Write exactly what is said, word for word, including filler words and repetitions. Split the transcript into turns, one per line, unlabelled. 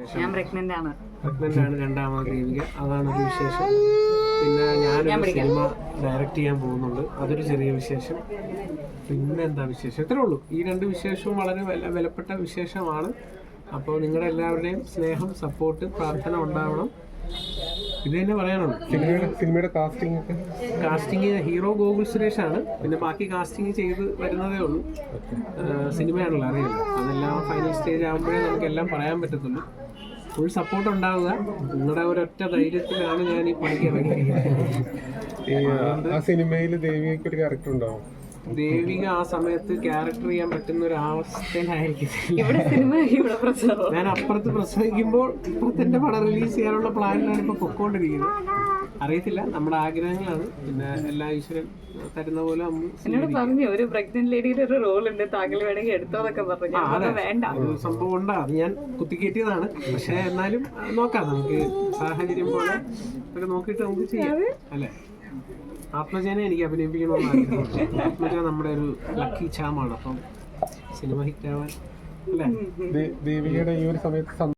ഞാൻ പ്രഗ്നന്റ് ആണ്
പ്രഗ്നന്റ് ആണ് രണ്ടാമത് ദേവിക, അതാണ് ഒരു വിശേഷം. പിന്നെ ഞാനൊരു സിനിമ ഡയറക്റ്റ് ചെയ്യാൻ പോകുന്നുണ്ട്, അതൊരു ചെറിയ വിശേഷം. പിന്നെ എന്താ വിശേഷം, ഇത്രേ ഉള്ളൂ. ഈ രണ്ട് വിശേഷവും വളരെ വില വിലപ്പെട്ട വിശേഷമാണ്. അപ്പോൾ നിങ്ങളുടെ എല്ലാവരുടെയും സ്നേഹം, സപ്പോർട്ട്, പ്രാർത്ഥന ഉണ്ടാവണം. ഇത് തന്നെ പറയാനുള്ളൂ.
സിനിമയുടെ സിനിമയുടെ casting
casting hero Gokul Suresh ആണ്. പിന്നെ ബാക്കി കാസ്റ്റിംഗ് ചെയ്ത് വരുന്നതേ ഉള്ളൂ. സിനിമയാണല്ലോ, അറിയില്ല. അതെല്ലാം ഫൈനൽ സ്റ്റേജ് ആകുമ്പോഴേ നമുക്ക് എല്ലാം പറയാൻ പറ്റത്തുള്ളൂ. ഫുൾ സപ്പോർട്ട് ഉണ്ടാവുക. നിങ്ങളുടെ ഒരൊറ്റ ധൈര്യത്തിലാണ് ഞാൻ ഈ പണിക്ക് ഇറങ്ങിയിരിക്കുന്നത്.
ആ സിനിമയിൽ ദേവികയ്ക്ക് ഒരു ക്യാരക്ടർ ഉണ്ടാവും.
ദേവിക ആ സമയത്ത് ക്യാരക്ടർ ചെയ്യാൻ പറ്റുന്ന ഒരു അവസ്ഥയിലായിരിക്കും. ഞാൻ അപ്പുറത്ത് പ്രസവിക്കുമ്പോൾ ഇപ്പുറത്തെ എന്റെ പടം റിലീസ് ചെയ്യാനുള്ള പ്ലാനിലാണ് ഇപ്പൊ പൊക്കോണ്ടിരിക്കുന്നത്. അറിയത്തില്ല, നമ്മുടെ ആഗ്രഹങ്ങളാണ്. പിന്നെ എല്ലാ ഈശ്വരൻ തരുന്ന പോലെ
എന്നോട് പറഞ്ഞു ഒരു പ്രഗ്നന്റ് ലേഡിയുടെ ഒരു റോൾ ഉണ്ട്, താങ്കൾ വേണമെങ്കിൽ എടുത്തോന്നൊക്കെ പറഞ്ഞു. വേണ്ട,
ഒരു സംഭവം ഉണ്ടാ, അത് ഞാൻ കുത്തിക്കേറ്റിയതാണ്. പക്ഷെ എന്നാലും നോക്കാം, നമുക്ക് സാഹചര്യം പോലെ ഒക്കെ നോക്കിയിട്ട് നമുക്ക് ചെയ്യാം, അല്ലേ? ആത്മജനെ എനിക്ക് അഭിനയിപ്പിക്കണമെന്ന് ആഗ്രഹമുണ്ട്. ആത്മജ നമ്മുടെ ഒരു ലക്കി ചാമാണ്. അപ്പം സിനിമ ഹിറ്റാവാൻ, അല്ലേ?
ദേവികയുടെ ഈ ഒരു സമയത്ത്